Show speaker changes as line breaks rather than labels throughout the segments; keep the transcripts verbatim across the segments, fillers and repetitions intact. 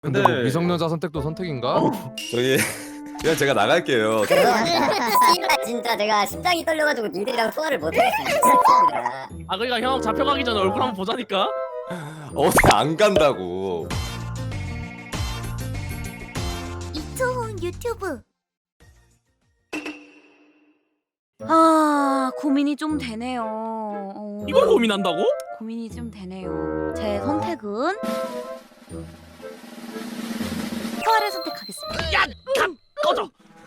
근데 뭐 미성년자 선택도 선택인가?
어. 저기 그냥 제가 나갈게요.
씨발 진짜 내가 심장이 떨려가지고 니들이랑 소화를 못하겠습니다.
아 그러니까 형 잡혀가기 전에 얼굴 한번 보자니까.
어디 안 간다고.
이초훈 유튜브. 아 고민이 좀 되네요. 어,
이걸 고민한다고?
고민이 좀 되네요. 제 선택은 소아를 선택하겠습니다.
야! 감! 꺼져!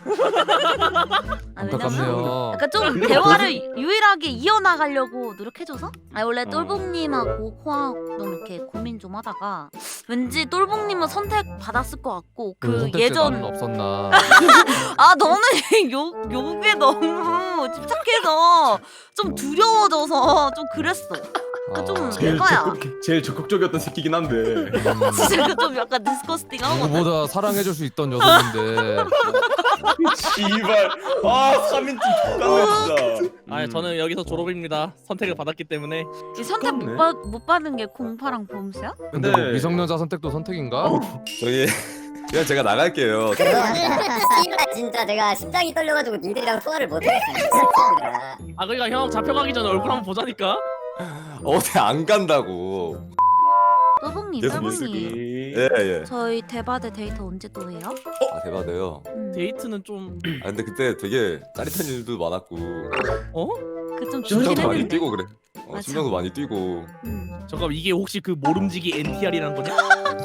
아, 왜냐면
안타깝네요.
약간 좀 대화를 유일하게 이어나가려고 노력해줘서? 아 원래 똘봉님하고 코아도 이렇게 고민 좀 하다가 왠지 똘봉님은 선택 받았을 것 같고 그
선택지
예전
나는 없었나?
아 너는 욕 욕에 너무 집착해서 좀 두려워져서 좀 그랬어.
아,
좀
제일
이거야.
적극 제일 적극적이었던 새끼긴 한데.
음,
진짜 그좀 약간 디스커스팅하고.
누구보다 사랑해줄 수 있던 여성인데
씨발. 아 삼인칭 X같네 진짜.
아
음.
저는 여기서 졸업입니다. 선택을 받았기 때문에.
이 선택 못, 받, 못 받은 게 공파랑 봄수야?
근데 뭐
근데-
미성년자 선택도 선택인가?
저기 그냥 제가 나갈게요.
씨발 진짜 내가 심장이 떨려가지고 니들이랑 소화를 못하겠습니다.
아 그러니까 형 잡혀가기 전에 얼굴 한번 보자니까.
어디 안 간다고.
똘봉님
계속
똘봉님
예 예.
저희 대바대 데이트 언제 또 해요?
아 대박이에요.
음.
데이트는 좀
아 근데 그때 되게 짜릿한 일도 많았고
어?
그좀
심장도
좋긴
많이
했는데
뛰고 그래. 어,
맞아.
심장도 많이 뛰고.
음.
잠깐 이게 혹시 그 모름지기 엔티알이란 거냐?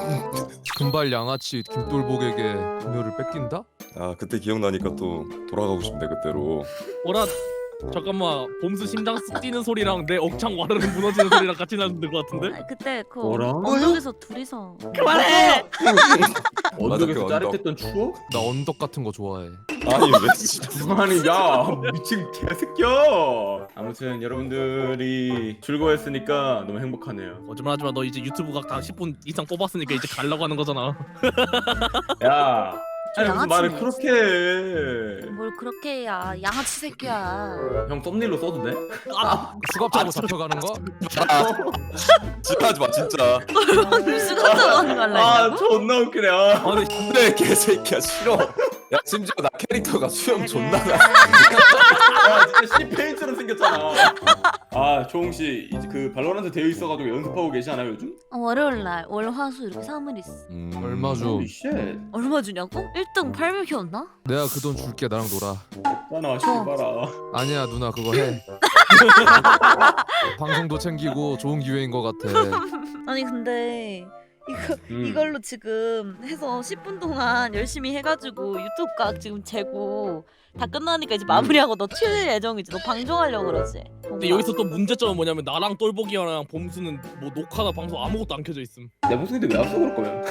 금발 양아치 김돌복에게 금요를 뺏긴다?
아 그때 기억나니까 또 돌아가고 싶네 그때로.
뭐라 잠깐만 봄수 심장 쓱 뛰는 소리랑 내 억창 와르르 무너지는 소리랑 같이 나는 것 같은데?
아, 그때 그
뭐라?
언덕에서 둘이서
그만해!
언덕에서
맞아, 그
짜릿했던 추억?
나 언덕 같은 거 좋아해.
아니 왜 진짜.
아니 야 미친 개새끼야. 아무튼 여러분들이 즐거워했으니까 너무 행복하네요.
거짓말하지마. 너 이제 유튜브 각 다 십 분 이상 뽑았으니까 이제 가려고 하는 거잖아.
야.
저
아니 무슨 말을
양아치네.
그렇게 해.
뭘 그렇게 해야 양아치 새끼야.
형 썸네일로 써도 돼?
아,
수갑차고 잡혀가는 거?
지랄하지 마 진짜.
수가 들어가는 거
아
할라고?
존나 웃기네. 아.
아 근데
근데 개새끼야 싫어. 야 심지어 나 캐릭터가 수염 존나 나.
아 진짜 C 페인처럼 생겼잖아. 아 조홍 씨 이제 그 발로란트 되어 있어가지고 연습하고 계시나요 요즘?
어, 월요일날 월화수 이렇게 삼 일 있어.
음...
얼마 줘?
홀리 쉣.
얼마 주냐고? 일 등 팔백이었나?
내가 그 돈 줄게. 나랑 놀아.
없잖아 씨발아.
아니야 누나 그거 해. 방송도 챙기고 좋은 기회인 것 같아.
아니 근데 이거
음.
이걸로 지금 해서 십 분 동안 열심히 해가지고 유튜브 각 지금 재고 다 끝나니까 이제 마무리하고 너 칠 예정이지. 너 방송하려고 그러지.
근데 여기서 또 문제점은 뭐냐면 나랑 똘보기랑 봄수는 뭐 녹화나 방송 아무것도 안 켜져 있음.
내 목소리인데 왜 왔어 그럴 거면?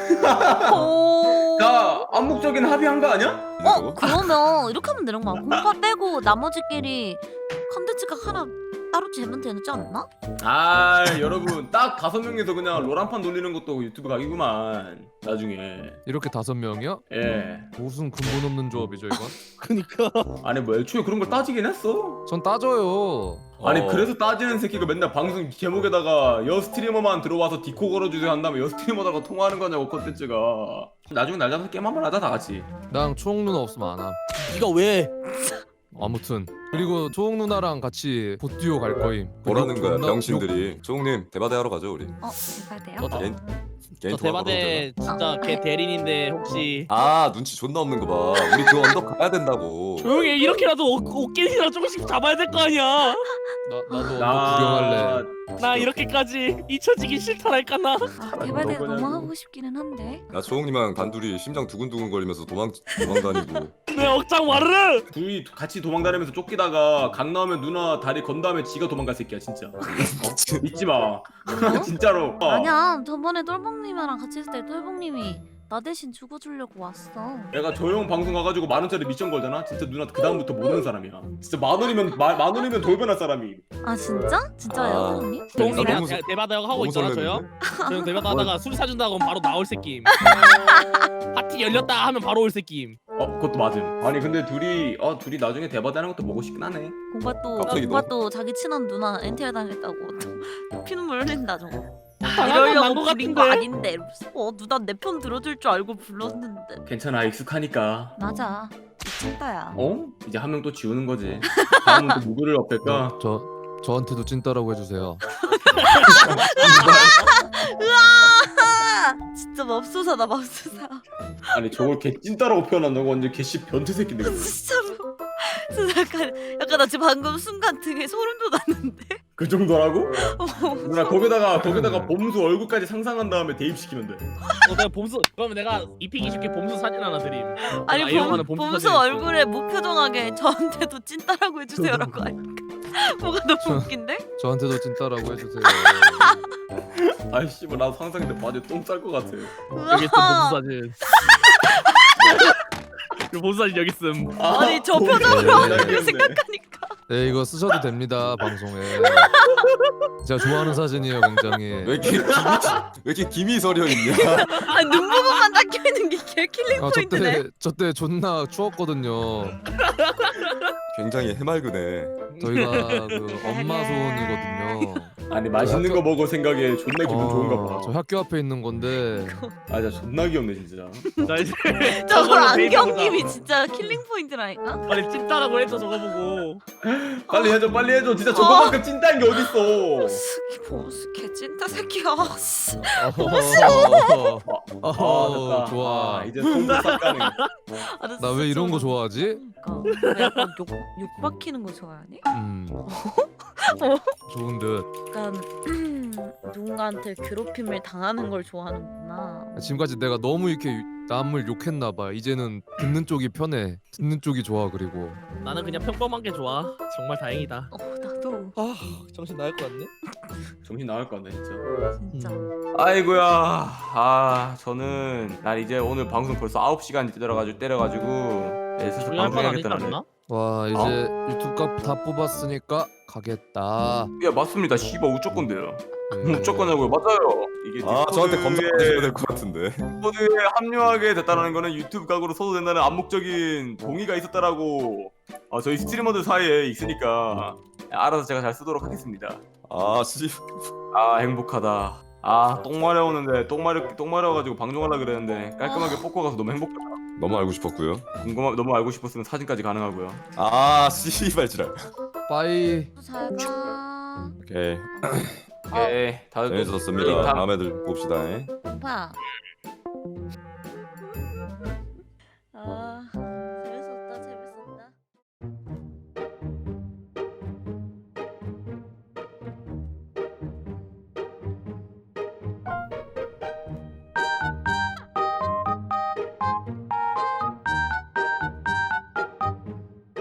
오.
나 암묵적인 합의한 거 아니야?
어 그러면 이렇게 하면 되는 거야. 공파 빼고 나머지끼리 컨텐츠가 하나 따로 재면 되지 않나?
아 여러분 딱 다섯 명이서 그냥 롤한판 돌리는 것도 유튜브 각이구만 나중에.
이렇게 다섯 명이요?
예.
무슨 근본 없는 조합이죠 이건?
그니까
아니 뭐 애초에 그런 걸 따지긴 했어.
전 따져요.
아니
어.
그래서 따지는 새끼가 맨날 방송 제목에다가 여 스트리머만 들어와서 디코 걸어주세요 한 다음에 여 스트리머다가 통화하는 거냐고 컨텐츠가. 나중에 날 잡아서 게임 한번 하자 다 같이.
나랑 초홍 누나 없으면 안 함.
네가 왜?
아무튼 그리고 초홍 누나랑 같이 보듀오 갈 거임.
뭐라는
그리고
거야
존나
병신들이. 조홍님 대바대 하러 가죠 우리.
어 대박이에요.
너 다-
개인 개인
저
통화
대바대 진짜 걔 대리인인데 혹시
아 눈치 존나 없는 거 봐. 우리 그 언덕 가야 된다고.
조용히 해. 이렇게라도 옷- 옷깃이랑 조금씩 잡아야 될 거 아니야.
나 나도 언덕 구경할래.
나 이렇게까지 잊혀지기 싫다랄까 나.
아, 대바대가
너무냐고.
너무 하고 싶기는 한데.
나 조홍님이랑 단둘이 심장 두근두근 거리면서 도망 도망 다니고.
내 억장 와르르.
둘이 같이 도망다니면서 쫓기다가 강 나오면 누나 다리 건 다음에 지가 도망갈 새끼야 진짜. 어? 믿지 마.
뭐?
진짜로. 어.
아니야 저번에 똘봉님이랑 같이 있을 때 똘봉님이 나 대신 죽어주려고 왔어.
내가 조용 방송 가가지고 만 원짜리 미션 걸잖아. 진짜 누나 그 다음부터 모르는 사람이야. 진짜 만 원이면 마, 만 원이면 돌변할 사람이.
아 진짜? 진짜예요
아.
똘봉님?
동이
나 너무
그냥 대바대 하고
너무
있잖아 저 형.
설레는데?
저 형 대바대 하다가 술 사준다고 하면 바로 나올 새끼임. 파티 열렸다 하면 바로 올 새끼임.
어 그것도 맞음. 아니 근데 둘이 어 둘이 나중에 대바대하는 것도 보고 싶긴 하네.
공파 또
갑자기
공파 또 자기 친한 누나 엔티알 당했다고 또 피눈물 흘린다 저거. 이러려고
난것
부린 거
같은데?
아닌데 이러면서. 어 누나 내 편 들어줄 줄 알고 불렀는데.
괜찮아 익숙하니까.
맞아 미친다야.
어? 이제 한 명 또 지우는 거지. 다음은 또 누구를 업힐까?
저 저한테도 찐따라고 해주세요.
으아 진짜 맙소사다 맙소사.
아니 저걸 개 찐따라고 표현한다고 완전 개씨 변태 새끼인데. 그거.
진짜로. 진짜 약간 약간 나 지금 방금 순간 등에 소름 돋았는데.
그 정도라고?
어,
누나 거기다가 거기다가 봄수 얼굴까지 상상한 다음에 대입시키면 돼.
어, 내가 봄수 그러면 내가 입히기 쉽게 봄수 사진 하나 드림.
아니
내가 이용하는
봄,
봄수
봄수
사진.
얼굴에 무표정하게 저한테도 찐따라고 해주세요라고 하니까 뭐가 너무 웃긴데?
저한테도 찐따라고 해주세요.
아이씨 뭐 나도 상상인데 바지에 똥쌀 것 같아.
여기 있음 봄수 사진. 이 봄수 사진 여기 있음.
아니 저
봄수
표정으로
하는
하는
거
거 생각하니까
네 이거 쓰셔도 됩니다 방송에. 제가 좋아하는 사진이에요 굉장히.
왜 이렇게 김이 왜 이렇게 김이 서려 있냐?
아니 눈 부분만 닦여 있는 게 개 킬링
아
포인트네.
저때 저때 존나 추웠거든요.
굉장히 해맑으네.
저희가 그 엄마 소원이거든요.
아니 맛있는 거 먹어 생각에 존나 기분 좋은가 봐.
저 학교 앞에 있는 건데
아 진짜 존나 귀엽네 진짜.
자 이제
저걸
저걸로 데이트하자.
안경님이 진짜 킬링 포인트라니까.
빨리 찐따라고 했죠 저거 보고.
빨리 해줘 빨리 해줘. 진짜 저거만큼 찐따인 게 어딨어.
스키 보스 개 찐따 새끼야. 씨.
어허,
아
어허,
됐다.
좋아.
아, 이제 손도 싹 가네.
아, 나
나 왜
진짜
이런 거
저거-
좋아하지?
그러니까 왜 약간 욕, 욕 박히는 거 좋아하니?
음 좋은 듯.
약간 누군가한테 괴롭힘을 당하는 걸 좋아하는구나.
지금까지 내가 너무 이렇게 남을 욕했나 봐. 이제는 듣는 쪽이 편해. 듣는 쪽이 좋아. 그리고
나는 그냥 평범한 게 좋아. 정말 다행이다.
어 나도
아 정신 나갈 것 같네.
정신 나갈 것 같네 진짜.
진짜.
아이고야. 아 저는 난 이제 오늘 방송 벌써 아홉 시간 때려가지고 때려가지고 네, 슬슬
중요한 건 아니지
방송해야겠다는.
않나?
와 이제 유튜브 값 다 뽑았으니까 가겠다.
야 맞습니다. 씨발 우ጮ건데요.
네.
우ጮ건냐고요? 맞아요. 이게
아 저한테
디스코드에-
검사 받으셔야 될 것 같은데.
디스코드에 합류하게 됐다는 거는 유튜브 각으로 써도 된다는 암묵적인 동의가 있었다라고. 아 저희 스트리머들 사이에 있으니까 알아서 제가 잘 쓰도록 하겠습니다.
아 씨.
아 행복하다. 아 똥 마려우는데 똥 마려 똥 마려워가지고 방종하려 그랬는데 깔끔하게 뽑고 가서 너무 행복하다.
너무 알고 싶었고요.
궁금하 너무 알고 싶었으면 사진까지 가능하고요.
아 씨발지랄.
빠이.
잘 가.
오케이.
오케이 다들 또
재밌었습니다.
다음-
다음에들 봅시다.
오빠